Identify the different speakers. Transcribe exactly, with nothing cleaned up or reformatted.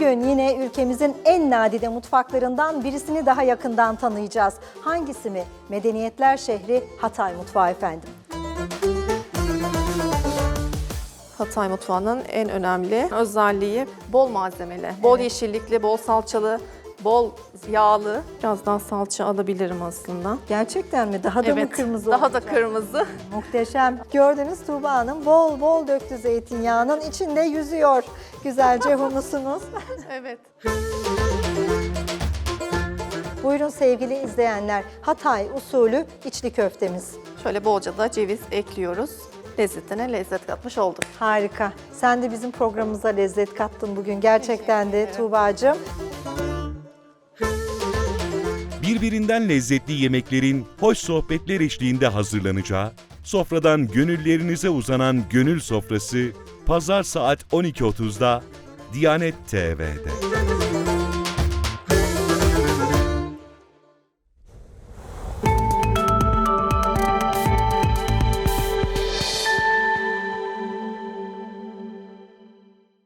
Speaker 1: Bugün yine ülkemizin en nadide mutfaklarından birisini daha yakından tanıyacağız. Hangisi mi? Medeniyetler şehri Hatay mutfağı efendim.
Speaker 2: Hatay mutfağının en önemli özelliği bol malzemeli, bol yeşillikli, bol salçalı, bol yağlı. Biraz daha salça alabilirim aslında.
Speaker 1: Gerçekten mi? Daha da mı kırmızı
Speaker 2: daha
Speaker 1: olacak?
Speaker 2: da kırmızı.
Speaker 1: Muhteşem. Gördünüz Tuğba Hanım bol bol döktü zeytinyağının içinde yüzüyor. Güzelce humusumuz.
Speaker 2: Evet.
Speaker 1: Buyurun sevgili izleyenler. Hatay usulü içli köftemiz.
Speaker 2: Şöyle bolca da ceviz ekliyoruz. Lezzetine lezzet katmış olduk.
Speaker 1: Harika. Sen de bizim programımıza lezzet kattın bugün. Gerçekten de Tuğba'cığım.
Speaker 3: Birbirinden lezzetli yemeklerin hoş sohbetler eşliğinde hazırlanacağı, sofradan gönüllerinize uzanan Gönül Sofrası, Pazar saat on iki otuzda Diyanet T V'de.